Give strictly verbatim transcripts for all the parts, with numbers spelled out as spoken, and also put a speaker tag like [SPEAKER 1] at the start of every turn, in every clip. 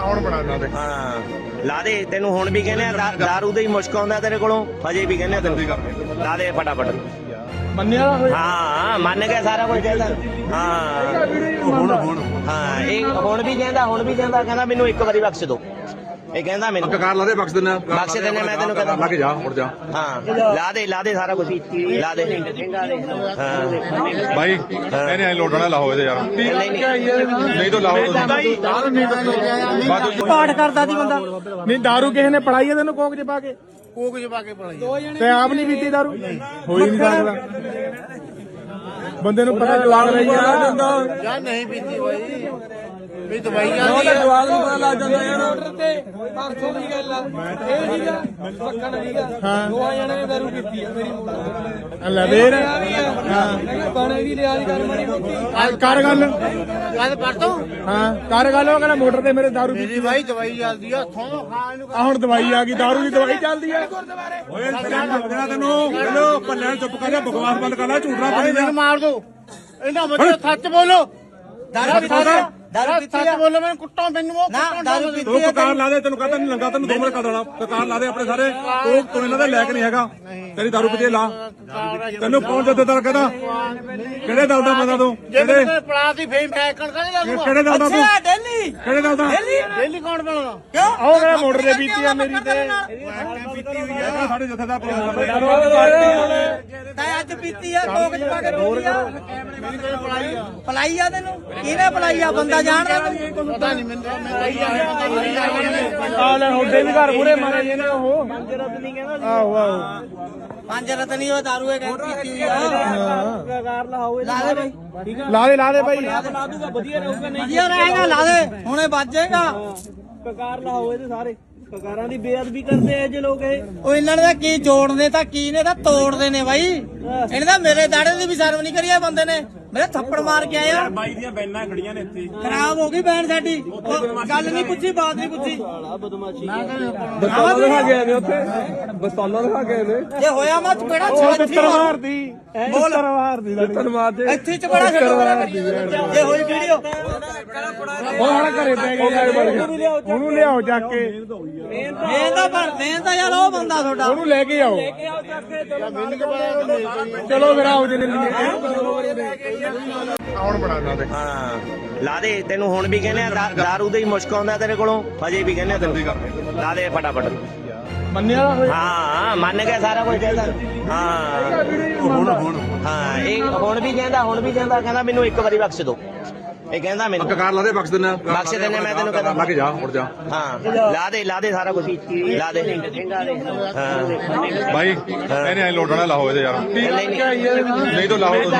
[SPEAKER 1] ਕੌਣ ਬਣਾਉਂਦਾ ਤੇ
[SPEAKER 2] ਹਾਂ ਲਾ ਦੇ ਤੈਨੂੰ ਹੁਣ ਵੀ ਕਹਿੰਦੇ ਆ ਦਾਰੂ ਦੇ ਹੀ ਮੁਸ਼ਕ ਆਉਂਦਾ ਤੇਰੇ ਕੋਲੋਂ ਹਜੇ ਵੀ ਕਹਿੰਦੇ ਆ ਤੈਨੂੰ ਲਾ ਦੇ ਫਟਾਫਟ
[SPEAKER 1] ਮੰਨਿਆ
[SPEAKER 2] ਹਾਂ ਮੰਨ ਗਿਆ ਸਾਰਾ ਕੁਝ ਕਹਿੰਦਾ ਹਾਂ
[SPEAKER 1] ਹੁਣ ਹੁਣ
[SPEAKER 2] ਹਾਂ ਇਹ ਹੁਣ ਵੀ ਕਹਿੰਦਾ ਹੁਣ ਵੀ ਕਹਿੰਦਾ ਕਹਿੰਦਾ ਮੈਨੂੰ ਇੱਕ ਵਾਰੀ ਬਖਸ਼ ਦਿਓ ਇਹ ਕਹਿੰਦਾ ਮੈਨੂੰ
[SPEAKER 1] ਕਾਰ ਲਾ ਦੇ ਬਖਸ਼ ਦਿੰਦਾ
[SPEAKER 2] ਬਖਸ਼ ਦਿੰਦੇ ਮੈਂ ਤੈਨੂੰ ਕਹਿੰਦਾ
[SPEAKER 1] ਲੱਗ ਜਾ ਮੁੜ ਜਾ
[SPEAKER 2] ਹਾਂ ਲਾ ਦੇ ਲਾ ਦੇ ਸਾਰਾ ਕੁਝ ਲਾ ਦੇ ਹਾਂ
[SPEAKER 1] ਭਾਈ ਇਹਨੇ ਐ ਲੋਟਣਾ ਲਾਹੋ ਇਹਦੇ ਯਾਰ
[SPEAKER 2] ਨਹੀਂ ਨਹੀਂ
[SPEAKER 1] ਨਹੀਂ ਤਾਂ ਲਾਹੋ
[SPEAKER 3] ਪਾਠ ਕਰਦਾ ਸੀ ਬੰਦਾ
[SPEAKER 4] ਨਹੀਂ ਦਾਰੂ ਕਿਸੇ ਨੇ ਪੜਾਈ ਹੈ ਤੈਨੂੰ ਕੋਕ ਚ ਪਾ ਕੇ
[SPEAKER 3] ਕੋਕ ਚ ਪਾ ਕੇ ਪਲਾਈ
[SPEAKER 4] ਤੇ ਆਪ ਨਹੀਂ ਪੀਤੀ ਦਾਰੂ ਹੋਈ ਨਹੀਂ ਸਕਦਾ ਬੰਦੇ ਨੂੰ ਪਤਾ ਲੱਗ ਰਹੀ ਆ
[SPEAKER 3] ਯਾਰ ਨਹੀਂ ਪੀਤੀ ਬਾਈ ਵੀ ਦਵਾਈ ਆਉਂਦੀ ਹੈ ਜਵਾਬ ਨੂੰ ਪਤਾ ਲੱਗ ਜਾਂਦਾ ਯਾਰ ਆਰਡਰ ਤੇ ਪਰਸੋਂ ਦੀ ਗੱਲ ਆ ਇਹ ਸੀਗਾ ਪੱਕਣ ਸੀਗਾ ਦੋਹਾਂ ਜਣੇ ਨੇ ਦਾਰੂ ਪੀਤੀ ਆ ਮੇਰੀ
[SPEAKER 4] ਲੈ ਫੇਰ
[SPEAKER 3] ਹਾਂ ਬਾਣੇ ਵੀ ਲਿਆ ਕਰ ਮਾਰੀ ਮੋਟੀ
[SPEAKER 4] ਕਰ ਗੱਲ
[SPEAKER 3] ਗੱਲ ਕਰ ਤੋ
[SPEAKER 4] ਹਾਂ ਕਰ ਗੱਲ ਉਹ ਕਹਿੰਦਾ ਮੋਟਰ ਤੇ ਮੇਰੇ ਦਾਰੂ
[SPEAKER 3] ਮੇਰੀ ਬਾਈ ਦਵਾਈ ਚੱਲਦੀ ਆ ਥੋਂ ਖਾ ਇਹਨੂੰ
[SPEAKER 4] ਆ ਹੁਣ ਦਵਾਈ ਆ ਗਈ ਦਾਰੂ ਦੀ ਦਵਾਈ ਚੱਲਦੀ ਆ
[SPEAKER 1] ਓਏ ਲੱਗਣਾ ਤੈਨੂੰ ਹੈਲੋ ਪੱਲੇ ਚੁੱਪ ਕਰ ਜਾ ਬਕਵਾਸ ਬੰਦ ਕਰ ਲੈ ਝੂਠਣਾ
[SPEAKER 3] ਭਾਈ ਮੈਨੂੰ ਮਾਰ ਦੋ ਇਹਨਾਂ ਬੱਚੇ ਸੱਚ ਬੋਲੋ ਦਾਰੂ ਪੀਤੀ ਦਾਰੂ ਪੀਤੀ ਸੱਚ ਬੋਲੋ ਮੈਨੂੰ ਕੁੱਟੋ ਮੈਨੂੰ ਉਹ
[SPEAKER 4] ਨਾ ਦਾਰੂ
[SPEAKER 1] ਤੂੰ ਕਕਾਰ ਲਾ ਦੇ ਤੈਨੂੰ ਕਹਤਾ ਨਹੀਂ ਲੰਗਾ ਤੈਨੂੰ ਦੋ ਮਿੰਟ ਕਰ ਦੇਣਾ ਕਕਾਰ ਲਾ ਦੇ ਆਪਣੇ ਸਾਰੇ ਤੂੰ ਤੂੰ ਇਹਨਾਂ ਦਾ ਲੈਕ ਨਹੀਂ ਹੈਗਾ ਤੇਰੀ ਦਾਰੂ ਪੀਤੀ ਲਾ ਤੈਨੂੰ ਕੌਣ ਜੱਦੇਦਾਰ ਕਹਿੰਦਾ ਕਿਹੜੇ ਦਲ ਦਾ ਬੰਦਾ ਤੂੰ ਕਿਹੜੇ
[SPEAKER 3] ਪੜਾ ਦੀ ਫੇਮ ਫੈਕਣ ਕਰੇ
[SPEAKER 1] ਕਿਹੜੇ ਦਲ ਦਾ ਤੂੰ
[SPEAKER 3] ਡੇਲੀ
[SPEAKER 1] ਕਿਹੜੇ ਦਲ ਦਾ
[SPEAKER 3] ਡੇਲੀ ਕੌਣ ਬਣਾਉਣਾ
[SPEAKER 4] ਕਿਉਂ ਉਹ ਕਹਿੰਦਾ ਮੋਟਰ ਤੇ ਪੀਤੀ ਆ ਮੇਰੀ ਤੇ
[SPEAKER 1] ਪੀਤੀ ਹੋਈ ਹੈ ਸਾਡੇ ਜੱਥੇਦਾਰ
[SPEAKER 3] ਤਾਂ ਅੱਜ ਪੀਤੀ ਆ ਕੋਕ ਚ ਪਾ ਕੇ ਪੀਤੀ ਆ ਪਲਾਈ ਆ ਤੈਨੂੰ ਕਿਹਨੇ ਪਲਾਈ ਆ ਬੰਦਾ ਜਾਣਦਾ ਪਤਾ ਨਹੀਂ ਮੈਨੂੰ
[SPEAKER 4] ਆ ਲੈ ਹੁੰਦੇ ਵੀ ਘਰ ਪੂਰੇ ਮਾਰੇ ਜੇ ਨੇ ਉਹ ਪੰਜ ਰਤ ਨਹੀਂ ਕਹਿੰਦਾ ਆਹੋ ਆਹੋ
[SPEAKER 3] ਪੰਜ ਰਤ ਨਹੀਂ ਉਹ ਦਾਰੂ ਹੈ ਕਹਿੰਦੀ ਪੀਤੀ ਹੋਈ ਆ ਕਕਾਰ ਲਾਓ ਲਾ ਦੇ ਬਾਈ ਠੀਕ ਆ
[SPEAKER 4] ਲਾ ਦੇ ਲਾ ਦੇ ਬਾਈ
[SPEAKER 3] ਲਾ ਦੂਗਾ ਵਧੀਆ ਰਹੂਗਾ ਨਹੀਂ ਵਧੀਆ ਰਹੇਗਾ ਲਾ ਦੇ ਹੁਣੇ ਵੱਜ ਜਾਏਗਾ ਕਕਾਰ ਲਾਓ ਇਹਦੇ ਸਾਰੇ ਕਕਾਰਾਂ ਦੀ ਬੇਅਦਬੀ ਕਰਦੇ ਐ ਜੇ ਲੋਕ ਇਹ ਉਹ ਇਹਨਾਂ ਨੇ ਤਾਂ ਕੀ ਜੋੜਦੇ ਤਾਂ ਕੀ ਨੇ ਤਾਂ ਤੋੜਦੇ ਨੇ ਬਾਈ ਇਹਨੇ ਤਾਂ ਮੇਰੇ ਦਾੜੇ ਦੀ ਵੀ ਸਰਵ ਨਹੀਂ ਕਰੀ ਇਹ ਬੰਦੇ ਨੇ ਮੇਰੇ ਥੱਪੜ ਮਾਰ ਕੇ ਆਇਆ
[SPEAKER 1] ਬਾਈ ਦੀਆਂ ਬੈਨਾਂ ਖੜੀਆਂ ਨੇ ਇੱਥੇ
[SPEAKER 3] ਖਰਾਬ ਹੋ ਗਈ ਬੈਨ ਸਾਡੀ ਗੱਲ ਨਹੀਂ ਪੁੱਛੀ ਬਾਤ ਨਹੀਂ ਪੁੱਛੀ
[SPEAKER 4] ਬਸਤਾਨਾ ਦਿਖਾ ਗਏ ਨੇ ਉੱਥੇ ਬਸਤਾਨਾ ਦਿਖਾ ਗਏ ਨੇ
[SPEAKER 3] ਇਹ ਹੋਇਆ ਮਾ ਚਪੇੜਾ
[SPEAKER 4] ਉਹ
[SPEAKER 3] ਛੱਤੀ
[SPEAKER 4] ਤਿੱਤਰ ਮਾਰਦੀ
[SPEAKER 3] ਬੋਲ
[SPEAKER 4] ਤਿੱਤਰ ਮਾਰਦੀ ਤਿੱਤਰ ਮਾਰਦੇ
[SPEAKER 3] ਇੱਥੇ ਚਪੇੜਾ ਛੱਡੋ ਇਹ ਹੋਈ ਵੀਡੀਓ
[SPEAKER 4] ਉਹ ਹੁਣ ਘਰੇ ਪੈ ਗਏ ਯਾਰ ਬਣ ਗਏ ਉਹਨੂੰ ਲਿਆਓ ਜਾ ਕੇ
[SPEAKER 3] ਮੈਂ ਤਾਂ ਪਰ ਮੈਂ ਤਾਂ ਯਾਰ ਉਹ ਬੰਦਾ ਤੁਹਾਡਾ
[SPEAKER 4] ਉਹਨੂੰ ਲੈ ਕੇ ਆਓ ਚਲੋ ਫਿਰ ਆਓ ਜੇ
[SPEAKER 1] ਕੌਣ ਬਣਾਉਂਦਾ ਤੇ
[SPEAKER 2] ਹਾਂ ਲਾ ਦੇ ਤੈਨੂੰ ਹੁਣ ਵੀ ਕਹਿੰਦੇ ਆ ਦਾਰੂ ਦੇ ਹੀ ਮੁਸ਼ਕ ਆਉਂਦਾ ਤੇਰੇ ਕੋਲੋਂ ਹਜੇ ਵੀ ਕਹਿੰਦੇ ਆ ਤੈਨੂੰ ਲਾ ਦੇ ਫਟਾਫਟ
[SPEAKER 4] ਮੰਨਿਆ
[SPEAKER 2] ਹਾਂ ਮੰਨ ਗਿਆ ਸਾਰਾ ਕੁਝ ਕਹਿੰਦਾ ਹਾਂ
[SPEAKER 1] ਹੁਣ ਹੁਣ
[SPEAKER 2] ਹਾਂ ਇਹ ਹੁਣ ਵੀ ਕਹਿੰਦਾ ਹੁਣ ਵੀ ਕਹਿੰਦਾ ਕਹਿੰਦਾ ਮੈਨੂੰ ਇੱਕ ਵਾਰੀ ਬਖਸ਼ ਦਿਓ ਇਹ ਕਹਿੰਦਾ ਮੈਨੂੰ
[SPEAKER 1] ਕਕਾਰ ਲਾ ਦੇ ਬਖਸ਼ ਦਿੰਦਾ
[SPEAKER 2] ਬਖਸ਼ ਦਿੰਦੇ ਮੈਂ ਤੈਨੂੰ ਕਹਿੰਦਾ
[SPEAKER 1] ਲੱਗ ਜਾ ਮੁੜ ਜਾ
[SPEAKER 2] ਹਾਂ ਲਾ ਦੇ ਲਾ ਦੇ ਸਾਰਾ ਕੁਝ ਲਾ ਦੇ ਹਾਂ
[SPEAKER 1] ਭਾਈ ਇਹਨੇ ਐ ਲੋਟਣਾ ਲਾਹੋ ਇਹਦੇ ਯਾਰ
[SPEAKER 2] ਨਹੀਂ ਨਹੀਂ
[SPEAKER 1] ਨਹੀਂ ਤਾਂ ਲਾਹੋ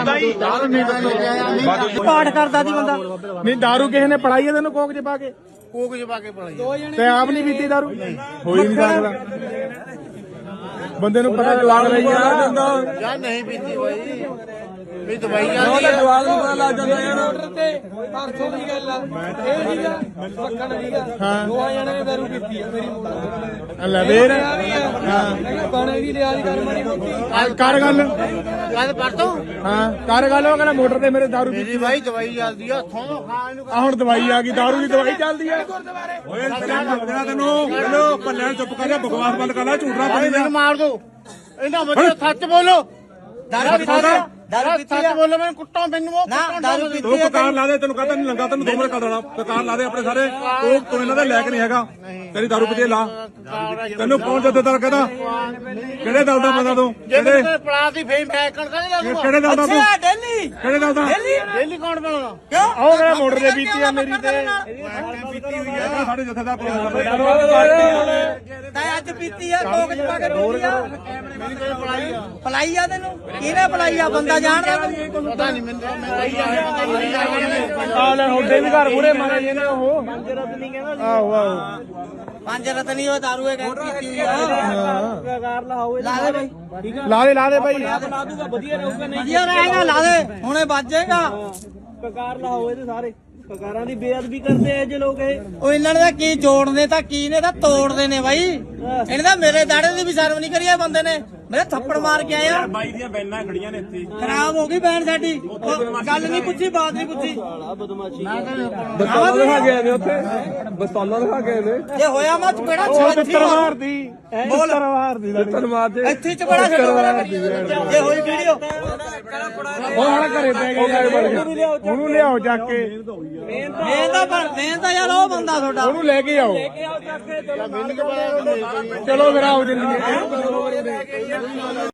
[SPEAKER 3] ਪਾਠ ਕਰਦਾ ਸੀ ਬੰਦਾ
[SPEAKER 4] ਨਹੀਂ ਦਾਰੂ ਕਿਸੇ ਨੇ ਪੜਾਈ ਹੈ ਤੈਨੂੰ ਕੋਕ ਚ ਪਾ ਕੇ
[SPEAKER 3] ਕੋਕ ਚ ਪਾ ਕੇ ਪਲਾਈ
[SPEAKER 4] ਤੇ ਆਪ ਨਹੀਂ ਪੀਤੀ ਦਾਰੂ ਹੋਈ ਨਹੀਂ ਸਕਦਾ ਬੰਦੇ ਨੂੰ ਪਤਾ ਲੱਗ ਰਹੀ ਆ
[SPEAKER 3] ਯਾਰ ਨਹੀਂ ਪੀਤੀ ਬਾਈ ਵੀ ਦਵਾਈ ਆਉਂਦੀ ਹੈ ਜਵਾਬ ਨੂੰ ਪਤਾ ਲੱਗ ਜਾਂਦਾ ਯਾਰ ਆਰਡਰ ਤੇ ਪਰਸੋਂ ਦੀ ਗੱਲ ਆ ਇਹ ਸੀਗਾ ਪੱਕਣ ਸੀਗਾ ਦੋਹਾਂ ਜਣੇ ਨੇ ਦਾਰੂ ਪੀਤੀ ਆ ਮੇਰੀ
[SPEAKER 4] ਲੈ ਫੇਰ ਹਾਂ
[SPEAKER 3] ਬਾਣੇ ਵੀ ਲਿਆ ਕਰ ਮਾਰੀ ਮੋਟੀ
[SPEAKER 4] ਕਰ ਗੱਲ
[SPEAKER 3] ਗੱਲ ਕਰ ਤੋ
[SPEAKER 4] ਹਾਂ ਕਰ ਗੱਲ ਉਹ ਕਹਿੰਦਾ ਮੋਟਰ ਤੇ ਮੇਰੇ ਦਾਰੂ ਪੀਤੀ
[SPEAKER 3] ਮੇਰੀ ਬਾਈ ਦਵਾਈ ਚੱਲਦੀ ਆ ਥੋਂ ਖਾ ਇਹਨੂੰ
[SPEAKER 4] ਆ ਹੁਣ ਦਵਾਈ ਆ ਗਈ ਦਾਰੂ ਦੀ ਦਵਾਈ ਚੱਲਦੀ ਆ
[SPEAKER 1] ਓਏ ਲੱਗਣਾ ਤੈਨੂੰ ਹੈਲੋ ਪੱਲੇ ਚੁੱਪ ਕਰ ਜਾ ਬਕਵਾਸ ਬੰਦ ਕਰ ਲੈ ਝੂਠਣਾ
[SPEAKER 3] ਭਾਈ ਮੈਨੂੰ ਮਾਰ ਦੋ ਇਹਨਾਂ ਬੱਚੇ ਸੱਚ ਬੋਲੋ ਦਾਰੂ ਪੀਤੀ ਦਾਰੂ ਪੀਤੀ ਸੱਚ ਬੋਲੋ ਮੈਨੂੰ ਕੁੱਟੋ ਮੈਨੂੰ ਉਹ ਨਾ ਦਾਰੂ ਪੀਤੀ
[SPEAKER 1] ਤੂੰ ਕਕਾਰ ਲਾ ਦੇ ਤੈਨੂੰ ਕਹਤਾ ਨਹੀਂ ਲੰਗਾ ਤੈਨੂੰ ਦੋ ਮਿੰਟ ਕਰ ਦੇਣਾ ਕਕਾਰ ਲਾ ਦੇ ਆਪਣੇ ਸਾਰੇ ਤੂੰ ਤੂੰ ਇਹਨਾਂ ਦਾ ਲੈਕ ਨਹੀਂ ਹੈਗਾ ਤੇਰੀ ਦਾਰੂ ਪੀਤੀ ਲਾ ਤੈਨੂੰ ਕੌਣ ਜੱਦੇਦਾਰ ਕਹਿੰਦਾ ਕਿਹੜੇ ਦਲ ਦਾ ਬੰਦਾ ਤੂੰ ਕਿਹੜੇ
[SPEAKER 3] ਪੜਾ ਦੀ ਫੇਮ ਫੈਕਣ ਕਰੇ
[SPEAKER 1] ਕਿਹੜੇ ਦਲ ਦਾ ਤੂੰ
[SPEAKER 3] ਡੇਲੀ
[SPEAKER 1] ਕਿਹੜੇ ਦਲ ਦਾ
[SPEAKER 3] ਡੇਲੀ ਕੌਣ ਬਣਾਉਣਾ ਕਿਉਂ
[SPEAKER 4] ਉਹ ਕਹਿੰਦਾ ਮੋਟਰ ਤੇ ਪੀਤੀ ਆ ਮੇਰੀ ਤੇ
[SPEAKER 1] ਪੀਤੀ ਹੋਈ ਹੈ ਸਾਡੇ ਜੱਥੇਦਾਰ
[SPEAKER 3] ਤਾਂ ਅੱਜ ਪੀਤੀ ਆ ਕੋਕ ਚ ਪਾ ਕੇ ਪੀਤੀ ਆ ਪਲਾਈ ਆ ਤੈਨੂੰ ਕਿਹਨੇ ਪਲਾਈ ਆ ਬੰਦਾ ਜਾਣਦਾ ਪਤਾ ਨਹੀਂ ਮੈਨੂੰ
[SPEAKER 4] ਆ ਲੈ ਹੁੰਦੇ ਵੀ ਘਰ ਪੂਰੇ ਮਾਰੇ ਜੇ ਨੇ ਉਹ ਪੰਜ ਰਤ ਨਹੀਂ ਕਹਿੰਦਾ ਆਹੋ ਆਹੋ
[SPEAKER 3] ਪੰਜ ਰਤ ਨਹੀਂ ਉਹ ਦਾਰੂ ਹੈ ਕਹਿੰਦੀ ਪੀਤੀ ਹੋਈ ਆ ਕਕਾਰ ਲਾਓ ਲਾ ਦੇ ਬਾਈ ਠੀਕ ਆ
[SPEAKER 4] ਲਾ ਦੇ ਲਾ ਦੇ ਬਾਈ
[SPEAKER 3] ਲਾ ਦੂਗਾ ਵਧੀਆ ਰਹੂਗਾ ਨਹੀਂ ਵਧੀਆ ਰਹੇਗਾ ਲਾ ਦੇ ਹੁਣੇ ਵੱਜ ਜਾਏਗਾ ਕਕਾਰ ਲਾਓ ਇਹਦੇ ਸਾਰੇ ਕਕਾਰਾਂ ਦੀ ਬੇਅਦਬੀ ਕਰਦੇ ਐ ਜੇ ਲੋਕ ਇਹ ਉਹ ਇਹਨਾਂ ਨੇ ਤਾਂ ਕੀ ਜੋੜਦੇ ਤਾਂ ਕੀ ਨੇ ਤਾਂ ਤੋੜਦੇ ਨੇ ਬਾਈ ਇਹਨੇ ਤਾਂ ਮੇਰੇ ਦਾੜੇ ਦੀ ਵੀ ਸਰਵ ਨਹੀਂ ਕਰੀ ਇਹ ਬੰਦੇ ਨੇ ਮੇਰੇ ਥੱਪੜ ਮਾਰ ਕੇ ਆਇਆ
[SPEAKER 1] ਬਾਈ ਦੀਆਂ ਬੈਨਾਂ ਖੜੀਆਂ ਨੇ ਇੱਥੇ
[SPEAKER 3] ਖਰਾਬ ਹੋ ਗਈ ਬੈਨ ਸਾਡੀ ਉਹ ਗੱਲ ਨਹੀਂ ਪੁੱਛੀ ਬਾਤ ਨਹੀਂ ਪੁੱਛੀ
[SPEAKER 4] ਬਸਤਾਲਾ ਦਿਖਾ ਕੇ ਆਏ ਨੇ ਉੱਥੇ ਬਸਤਾਲਾ ਦਿਖਾ ਕੇ ਆਏ ਨੇ
[SPEAKER 3] ਜੇ ਹੋਇਆ ਮੈਂ ਚਪੇੜਾ ਛੱਤੀ ਮਾਰਦੀ ਬੋਲ
[SPEAKER 4] ਮਾਰਦੀ ਤਰ ਮਾਰ ਦੇ
[SPEAKER 3] ਇੱਥੇ ਚਪੇੜਾ ਛੱਡ ਜੇ ਹੋਈ ਵੀਡੀਓ
[SPEAKER 4] ਉਹ ਹਣ ਘਰੇ ਪੈ ਗਏ ਉਹਨੂੰ ਲਿਆਓ ਜਾ ਕੇ
[SPEAKER 3] ਮੇਨ ਦਾ ਬਣ ਮੇਨ ਦਾ ਯਾਰ ਉਹ ਬੰਦਾ ਤੁਹਾਡਾ
[SPEAKER 4] ਉਹਨੂੰ ਲੈ ਕੇ ਆਓ ਚਲੋ ਫਿਰ ਆਓ ਜਲਦੀ